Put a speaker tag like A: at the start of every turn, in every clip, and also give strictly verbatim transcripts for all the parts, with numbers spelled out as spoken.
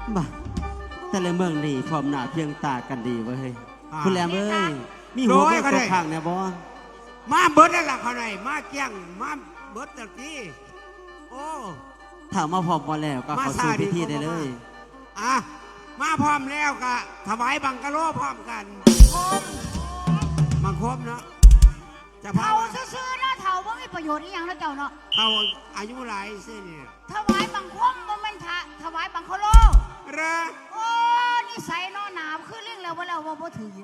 A: บ่แต่ละเมืองนี่พร้อมหน้าเพียงตากันดีเว้ยคุณแหลมเอ้ยมีหัวเบิดตกข้างเนี่ยบ่
B: มาเบิดนั่นแหละเขาไหนมาเกี้ยงมาเบิดตะกี้โอ้
A: ถ้ามาพร้อมบ่แล้วก็เข้าสู่พิธีได้เลย
B: อ่ะมาพร้อมแล้วก็ถวายบังกะโลพร้อมกันมังคมเนาะ
C: จะเผาซื่อๆเนาะเผาไม่มีประโยชน์อีหยังแล้วเจ้าเนาะ
B: เผาอายุหลายเส้นเนี่ย
C: ถวายบังคมมันเป็นถวายบังคโล
B: เรอ
C: โอ้นิสัยเนาะหนาวคือเรื่องแล้วว่าเราว่าบ่ถือ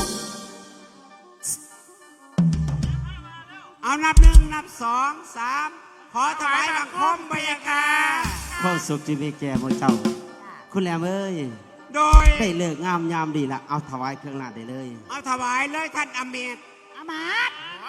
B: เอานับหนึ่งนับสองสามขอถวายบังคมบรรยากาศ
A: ความสุขที่มีแก่หมู่เจ้าคุณแหลมเอ้ย
B: โดย
A: ได้เลิกงามยามดีละเอาถวายเครื่องราชได้เลย
B: เอาถวายเลยท่านอเมต
C: อมาต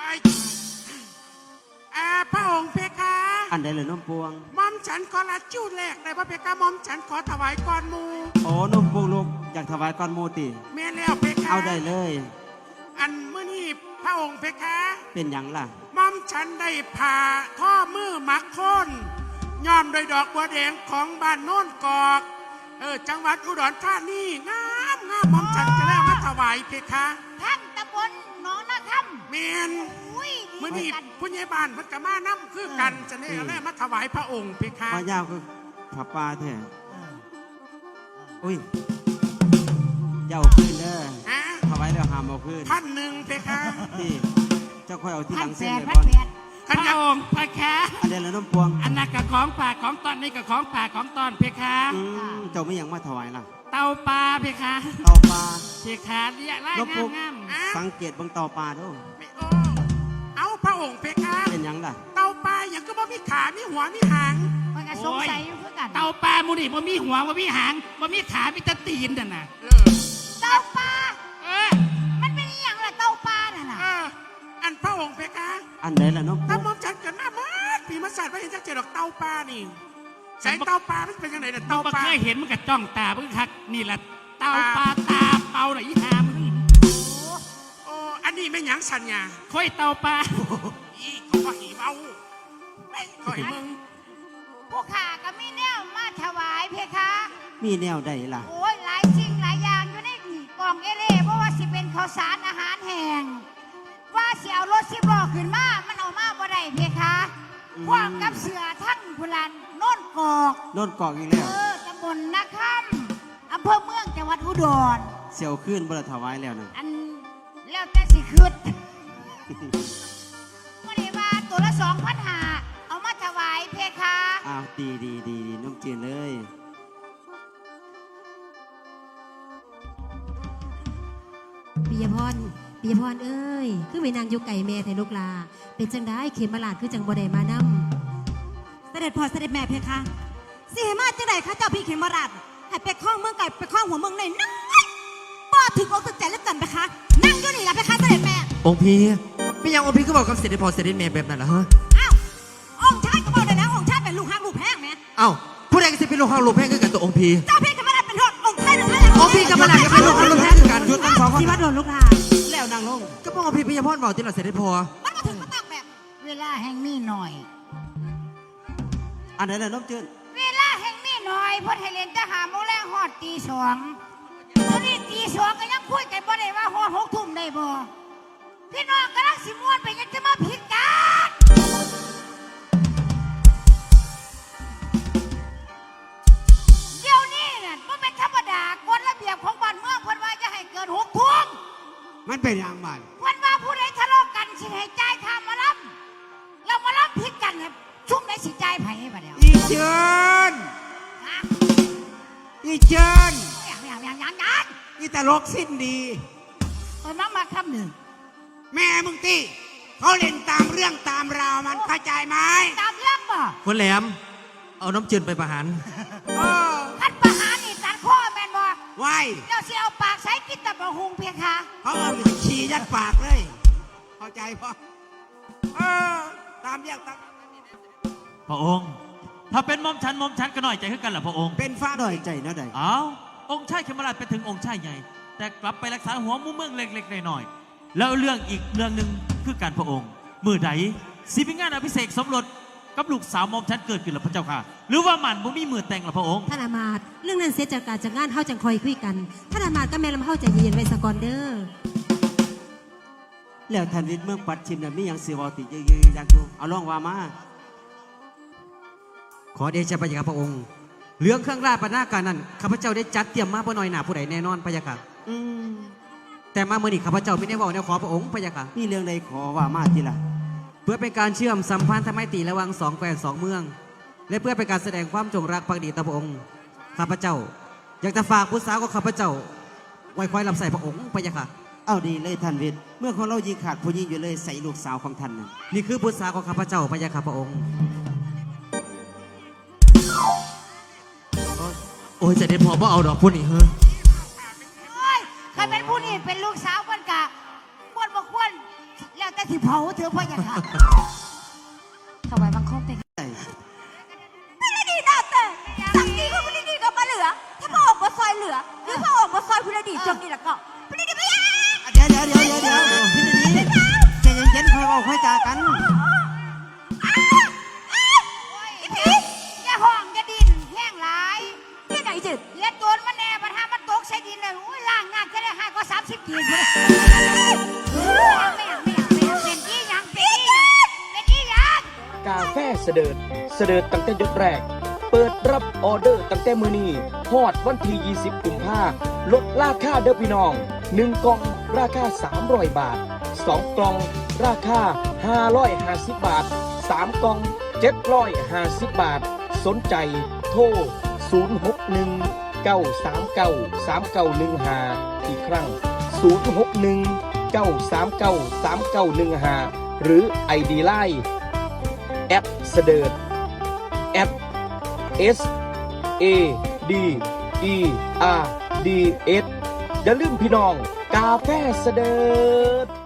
B: อาพระองค์เพคะ
A: อันใดเลยน้องปวง
B: มอมฉันขอละจู้แรกเลยพระเพคะมอมฉันขอถวายก่อนมู
A: โอ้น้องปวงลูกอยากถวายก่อนมูติ
B: แม่แล้วเพคะ
A: เอาได้เลย
B: อันเมื่อนี้พระองค์เพคะ
A: เป็นอย่างล่ะ
B: มอมฉันได้ผ่าท่อมือมักโคนย้อมโดยดอกบัวแดงของบ้านโน่นกอกเออจังหวัดอุดรธานีงามงามมอมฉันจะได้มาถวายเพคะ
C: ท่านตำบลหนองนาคำ
B: เมนเมื่อนี้ผู้ใหญ่บ้านพัฒมาน้ำคือกันจะได้อะไรมาถวายพระองค์เพคะ
A: มายาวคือผับปลาแท้อุ้ยเจ้าขึ้นเด้อถวายแล้วหามเอาขึ้น
B: พันหนึ่งเพคะ
A: ที่เจ้าค่อยเอาที่หลังเส้นเลย
C: บอล
B: พระองค์เพคะ
A: อันเดียวแล้วน้ำพวง
B: อันนั้นกับของป่าของตอนนี้กับของป่าของตอนเพคะ
A: เจ้าไม่ยังมาถวายล่ะ
B: เตาปลาเพคะ
A: เตาปลา
B: เพคะเรียกไล่งามงาม
A: สังเกตบางเตาปลาด้วย
B: เอาพระองค์เพคะ
A: เป็นยังล่ะ
B: เตาปลาอย่างก็บ่มีขามีหัวมีหาง
C: มันก็สงสัยอยู่เพื่อกัน
B: เตาปลามูนี่บ่มีหัวบ่มีหางบ่มีขามีแต่ตีนน่ะนะ
C: เตาปลาเออมันเป็นอย่างไรเตาปลาน่ะนะ
B: อันพระองค์เพคะ
A: อันไหนล่ะน้อง
B: ถ้ามอมจันกันหน้ามาผีมาสัตว์ไม่เห็นจะเจอดอกเตาปลานี่ใส่เตาปลามันเป็นยังไงน่ะเตาปลาเคยเห็นมันกับจ้องตาเพิ่งคักนี่แหละเตาปลาตาเปาหน่อยอีหามโอ้อันนี้ไม่หยังสัญญาค่อยเตาปลาอีเขาก็หีเบาไม่ค่อยมึง
C: ผู้ขาก็มีแนวมาถวายเพคะ
A: มีแนวใดล่ะ
C: โอ้ยหลายสิ่งหลายอย่างอยู่ในกล่องเอเล่เพราะว่าสิเป็นข้าวสารอาหารแห้งว่าเสียวรถสิบล้อขึ้นมามันเอามาบ่ได้เพคะพร้อมกับเสือทั้งพุลันโน่นกอก
A: โน่นกอกอีกแล้ว
C: เออตำบลนาคำอำเภอเมืองจังหวัดอุดร
A: เสียวขึ้นบ่ได้ถวายแล้วนะ
C: อันแล้วแต่สิขึ้นวันนี้ว่าตัวละสองพันหาเอามาถวายเพคะ
A: อ้าวดีดีดีดีน้องจีนเลย
D: ปิยพรปิยพรเอ้ยคือไม่นางอยู่ไก่แม่ไทยลูกลาเป็นจังได้เข็มมาลาดคือจังบ่ได้มานำ
E: เสด็จพ่อเสด็จแม่เพคะสิเหมาจังไดคะเจ้าพี่เข็มมาลาดให้ไปคล้องเมืองไก่ไปคล้องหัวเมืองในนั่งบ่ถึงอกถึงใจแล้วกันเพคะนั่งอยู่นี่ล่ะเพคะเสด็จแม่
F: องค์พี่ไม่ยังองค์พี่ก็บอกกับเสด็จพ่อเสด็จแม่แบบนั้นเหรอฮะ
E: อ้าวองค์ชายก็บอกเลยนะองค์ชายเป็นลูกฮักลูกแพงแม่
F: อ้าวผู้ใดก็สิเป็นลูกฮักลูกแพงคือกันตัวองค์พี่
E: เจ้าพี่เข็มมาลาดเป็นทอดองค์ชายหรือไง
F: องค์พี่กับมาลาดก็เป็นลูกฮักลูกแพงคือกัน
E: ยุดตั้งสองคนที่วัดโดนลูกลา
A: แล้วนางลง
F: ก็บอกองค์พี่ปิยพรบอกที่เราเสด็จพ่อ
E: มันมาถึงมาตักแบบ
C: เวลาแห่งมีหน่อย
A: อันไหนล่ะน้องจีน
C: เวลาแห่งมีหน่อยพอไทยเล่นจะหาโมงแรงหอดตีสองตอนนี้ตีสองก็ยังคุยกันบ่ได้ว่าหอดหกทุ่มได้บ่พี่น้องกำลังสิม้วนไปยังจะมาผิดกันเดี๋ยวนี้น่ะมันเป็นธรรมดากฎระเบียบของบ้านเมืองเพิ่นว่าจะให้เกินหกทุ่ม
B: มันเป็นอย่างไร
C: เพิ่นว่าผู้ใดทะเลาะกันสิให้จ่ายค่ามาล้ำเรามาล้ำผิดกันเนี่ยชุ่มได้สิจ่ายไผบ่เดี๋ยว
B: อีเชิญอีเชิญ
C: อย่างอย่างอย่างอย่างอย่าง
B: อีตลกสิ้นดี
C: เออมามาคำหนึ่ง
B: แม่มึงตีเขาเล่นตามเรื่องตามราวมันเข้าใจไหม
C: ตามเรื่องบ่
F: คนแหลมเอาน้ำจืดไปประหาร
C: ขันประหารนี่ตัดข้อแมนบ่
B: ไว้
C: เดี๋ยวเสียเอาปากใส่กินแต่บะฮุงเพียงค่ะ
B: เขาเอาฉี่ยัดปากเลยเข้าใจปะเออตามเรื่องตาม
G: พระองค์ถ้าเป็นมอมฉันมอมฉันก็น้อยใจขึ้นกันแหละพระองค์
B: เป็นฟ้า
A: น้อยใจนะใด
G: อ้าวองค์ชายเขมราชไปถึงองค์ชายใหญ่แต่กลับไปรักษาหัวมุมเมืองเล็กๆหน่อยๆแล้วเรื่องอีกเรื่องหนึ่งคือการพระองค์มือใดสิพิงานอภิเษกสมรสกับลูกสาวมอมฉันเกิดขึ้นหรือพระเจ้าค่ะ หรือว่ามันบ่มีมือแต่งหรือพระองค์
D: ท่านอามาตย์เรื่องนั้นเสียจากการจากงานเฮาจังคอยคุยกันท่านอามาตย์ก็แม่ลำเฮาใจเย็นๆไว้สะก่อนเด้อ
A: แล้วท่านวิทย์เมืองปัดชิมน่ะมีหยังสิเว้าติยืนๆอยากดูเอาลองว่ามา
F: ขอเดชะพระยาค่ะพระองค์เรื่องเครื่องราชบรรณาการนั้นข้าพเจ้าได้จัดเตรียมมาบ่น้อยหนาผู้ใดแน่นอนพระยาค่ะ
A: อืม
F: แต่มาเมื่อนี้ข้าพเจ้าไม่ได้บอกแนวขอพระองค์พระยาค่ะ
A: มีเรื่องใดขอว่ามาทีละ
F: เพื่อเป็นการเชื่อมสัมพันธไมตรีระหว่างสองแคว้นสองเมือง และเพื่อเป็นการแสดงความจงรักภักดีต่อพระองค์ข้าพเจ้า อยากจะฝากผู้สาวของข้าพเจ้า ไว้คอยรับใส่พระองค์พระยาค่ะ
A: เอาดีเลยท่านวิทย์เมื่อของเรายิงขาดผู้ยิงอยู่เลยใส่ลูกสาวของท่านน่ะ
F: นี่คือผู้สาวของข้าพเจ้าพระยาค่ะพระองค์โอ้ยเสด็จพ่อบ่เอาดอกพุ่นนี่เฮ้อ
C: โอ้ยใครเป็นผู้นี่เป็นลูกสาวมันกะควรบ่ควรแล้วแต่ที่เผาเถอะพ่ออย่าค่ะถวายบังคมเป็น
E: ไม่ได้ดีนะแต่สักดีก็ไม่ได้ดีก็มาเหลือ ถ้าพระองค์มาซอยเหลือหรือพระองค์มาซอยผู้ใดดีจงนี่แล้วก็ไม่ได้ดีไม่ยาก
A: เดี๋ยวเดี๋ยวเดี๋ยวเดี๋ยวเดี๋ยวพี่ดีใจเย็นๆค่อยเว้าค่อยจากัน
C: อีพีอย่าห้องอย่าดินแห้งหลาย
E: ที่ไหนจิต
C: เลียดตัวมันแน่ปัญหามันตกใส่ดินเลยอุ้ยล่างงานแค่ได้ห้าก็สามสิบกีบเลยไม่อยากไม่อยากไม่อยากเป็นที่ยังเป็นที่ยังเป็นที่ยัง
H: กาแฟเสดิร์ดเสดิร์ดตั้งแต่ยกแรก เปิดรับออเดอร์ตั้งแต่มือนี้ฮอดวันที่ยี่สิบกุมภาลดราคาเด้อพี่น้องหนึ่งกล่องราคาสามร้อยบาทสองกล่องราคาห้าร้อยห้าสิบบาทสามกล่องเจ็ดร้อยห้าสิบบาท สนใจโทรศูนย์ หก หนึ่ง เก้า สาม เก้า สาม เก้า หนึ่ง ห้าอีกครั้งศูนย์ หก หนึ่ง เก้า สาม เก้า สาม เก้า หนึ่ง ห้าหรือ ไอ ดี ไลน์แอดเสดิร์ดแอด S A D E R D S อย่าลืมพี่น้องกาแฟเสดิร์ด